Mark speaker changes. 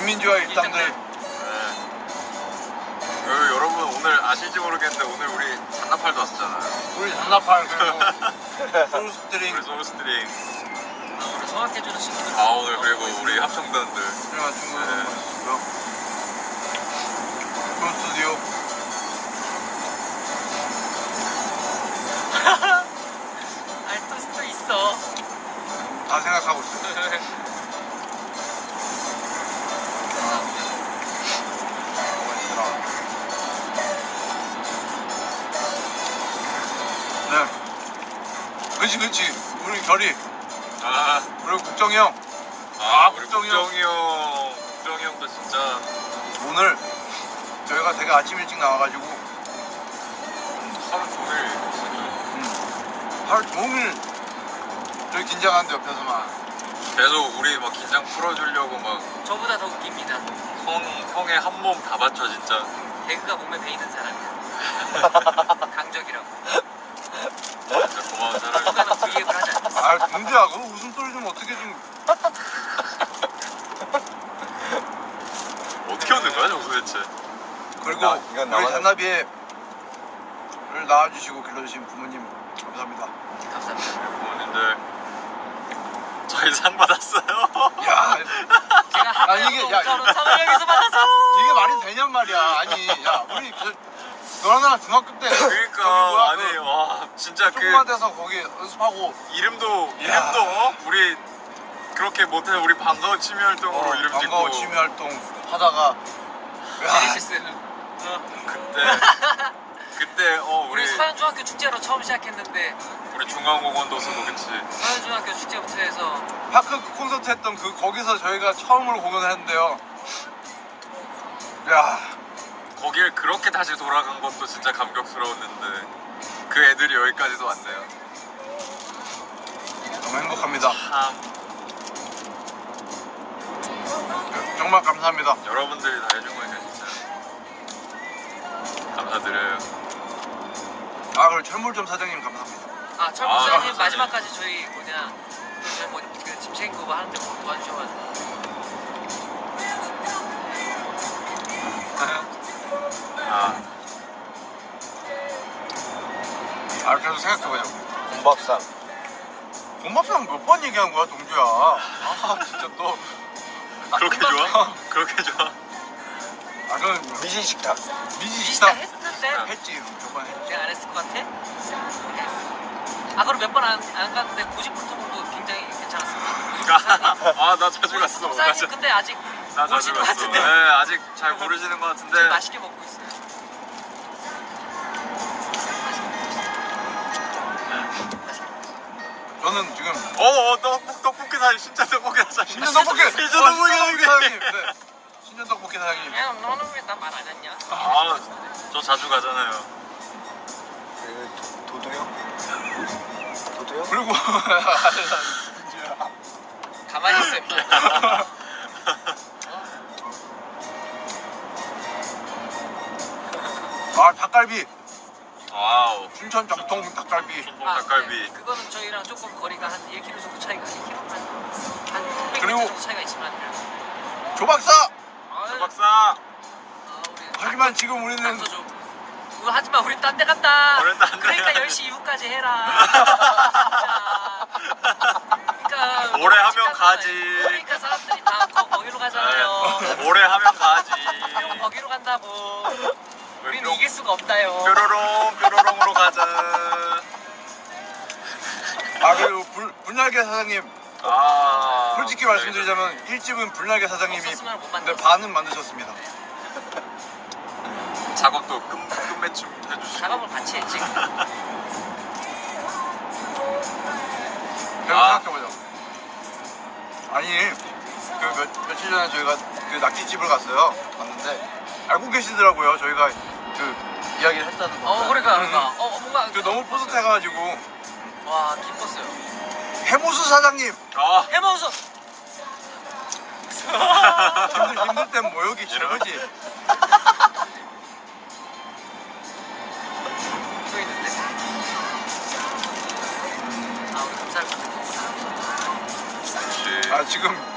Speaker 1: 국민주와 일당들.
Speaker 2: 여러분 오늘 아실지 모르겠는데 오늘 우리 잔나팔도 왔었잖아요.
Speaker 1: 우리 잔나팔 그리고 소울스트링.
Speaker 2: 우리 소울스트링.
Speaker 3: 우리 성악해주는 친구들.
Speaker 2: 오늘 그리고 우리 합창단들.
Speaker 1: 그래가 친구들 있고요. 스튜디오.
Speaker 3: 알토스도 있어.
Speaker 1: 다 생각하고 있어요. 네. 그치. 우리 결이. 그리고 국정이 형.
Speaker 2: 우리
Speaker 1: 국정이 형.
Speaker 2: 국정이 형도 진짜
Speaker 1: 오늘 저희가 되게 아침 일찍 나와가지고
Speaker 2: 하루 종일
Speaker 1: 하루 종일 저희 긴장하는데 옆에서만
Speaker 2: 계속 우리 막 긴장 풀어주려고 막
Speaker 3: 저보다 더 웃깁니다.
Speaker 2: 형의 한 몸 다 바쳐 진짜.
Speaker 3: 개그가 몸에 배이는 사람이야. 강적이라고.
Speaker 2: 진짜 고마운 사람이.
Speaker 3: 누가 너 V앱을 하지 않았어.
Speaker 1: 아 동주야 그 웃음소리 좀 어떻게 좀
Speaker 2: 어떻게 웃는 거야 저거 도대체?
Speaker 1: 그리고
Speaker 4: 이건
Speaker 1: 우리
Speaker 4: 나만-
Speaker 1: 잔나비를 낳아주시고 길러주신 부모님 감사합니다.
Speaker 3: 감사합니다.
Speaker 2: 부모님들 저희 상 받았어요.
Speaker 1: 야
Speaker 3: 제가
Speaker 1: 아니, 이게- 야,
Speaker 3: 5,000원 사무장에서 받아서.
Speaker 1: 이게 말이 되냔 말이야. 아니 야 우리 너랑 나랑 중학교 때
Speaker 2: 그러니까 아니 와 진짜 그
Speaker 1: 조그만 데서 거기 연습하고
Speaker 2: 이름도
Speaker 1: 야.
Speaker 2: 우리 그렇게 못해 우리 반가워 취미 활동으로 이름 짓고
Speaker 1: 반가워 취미 활동 하다가
Speaker 3: 제네시스.
Speaker 2: 그때
Speaker 3: 우리
Speaker 2: 우리
Speaker 3: 서현중학교 축제로 처음 시작했는데
Speaker 2: 우리 중앙공원도 쓰고 그치.
Speaker 3: 서현중학교 축제부터 해서
Speaker 1: 파크 콘서트 했던 거기서 저희가 처음으로 공연을 했는데요. 야
Speaker 2: 거길 그렇게 다시 돌아간 것도 진짜 감격스러웠는데 그 애들이 여기까지도 왔네요.
Speaker 1: 너무 행복합니다.
Speaker 2: 참
Speaker 1: 정말 감사합니다.
Speaker 2: 여러분들이 다 해준 거니까 진짜 감사드려요.
Speaker 1: 그리고 철물점 사장님 감사합니다.
Speaker 3: 철부사님
Speaker 2: 감사합니다.
Speaker 3: 마지막까지 저희 그짐 챙기고 뭐 하는데 뭐 도와주셔가지고.
Speaker 1: 계속 생각해보자.
Speaker 4: 공밥상.
Speaker 1: 공밥상 몇 번 얘기한 거야 동주야. 진짜 또
Speaker 2: 그렇게 좋아? 그렇게 좋아?
Speaker 1: 그건
Speaker 4: 미진 식탁.
Speaker 1: 미지
Speaker 3: 비슷하
Speaker 1: 식당
Speaker 3: 했는데
Speaker 1: 했지. 몇 번 했지.
Speaker 3: 내가 안 했을 것 같아? 그럼 몇 번 안 갔는데 고집불통도 굉장히 괜찮았습니다.
Speaker 2: 나 자주 갔어.
Speaker 3: 사장님 근데 아직
Speaker 2: 나 자주
Speaker 3: 모르시는 것
Speaker 2: 갔어.
Speaker 3: 같은데.
Speaker 2: 네, 아직 잘 모르시는 것 같은데.
Speaker 3: 맛있게 먹고 있어요.
Speaker 1: 저는 지금
Speaker 2: 떡볶이 사장님, 진짜 떡볶이 사장님.
Speaker 1: 신전 떡볶이
Speaker 2: 신전 떡볶이 사장님.
Speaker 1: 네. 신전 떡볶이 사장님.
Speaker 3: 야 너는 왜 나 말 안 했냐?
Speaker 2: 저 자주 가잖아요.
Speaker 4: 그 도도요? 도도요?
Speaker 1: 그리고
Speaker 3: 가만히 있어 임마.
Speaker 1: 닭갈비.
Speaker 2: 와우.
Speaker 1: 춘천 정통 닭갈비.
Speaker 2: 전복 닭갈비.
Speaker 3: 그거는 저희랑 조금 거리가 한 1km 정도 차이가 1km 한 600m
Speaker 1: 그리고-
Speaker 3: 정도 차이가 있지만.
Speaker 1: 조박사.
Speaker 2: 박사.
Speaker 1: 하지만 지금 우리는
Speaker 3: 하지만 우리 딴 데 간다.
Speaker 2: 우린 딴데
Speaker 3: 그러니까
Speaker 2: 가야
Speaker 3: 10시 이후까지 해라. 그러니까
Speaker 2: 오래 하면
Speaker 3: 시간
Speaker 2: 가지.
Speaker 3: 그러니까 사람들이 다 거기로 가잖아요.
Speaker 2: 오래 하면 가지.
Speaker 3: 형 거기로 간다고. 우린
Speaker 2: 뿅.
Speaker 3: 이길 수가 없다요.
Speaker 2: 뾰로롱으로 가자.
Speaker 1: 그리고 불날개 사장님. 솔직히 말씀드리자면 1집은 불날개 사장님이
Speaker 3: 없었으면 못
Speaker 1: 근데
Speaker 3: 만들었어.
Speaker 1: 반은 만드셨습니다.
Speaker 2: 작업도 끝맺춤 해주시고.
Speaker 3: 작업을 같이 했지.
Speaker 1: 생각해보자. 아니 며칠 전에 저희가 그 낙지집을 갔는데 알고 계시더라고요. 저희가 그 이야기를 했다는 거.
Speaker 3: 그러니까. 뭔가.
Speaker 1: 너무 뿌듯해가지고
Speaker 3: 와 기뻤어요.
Speaker 1: 해무수 사장님.
Speaker 3: 해먹어서.
Speaker 1: 힘들 땐 모욕이 최고지.
Speaker 3: 또 있는데. 우리 감사할 것 같아.
Speaker 1: 지금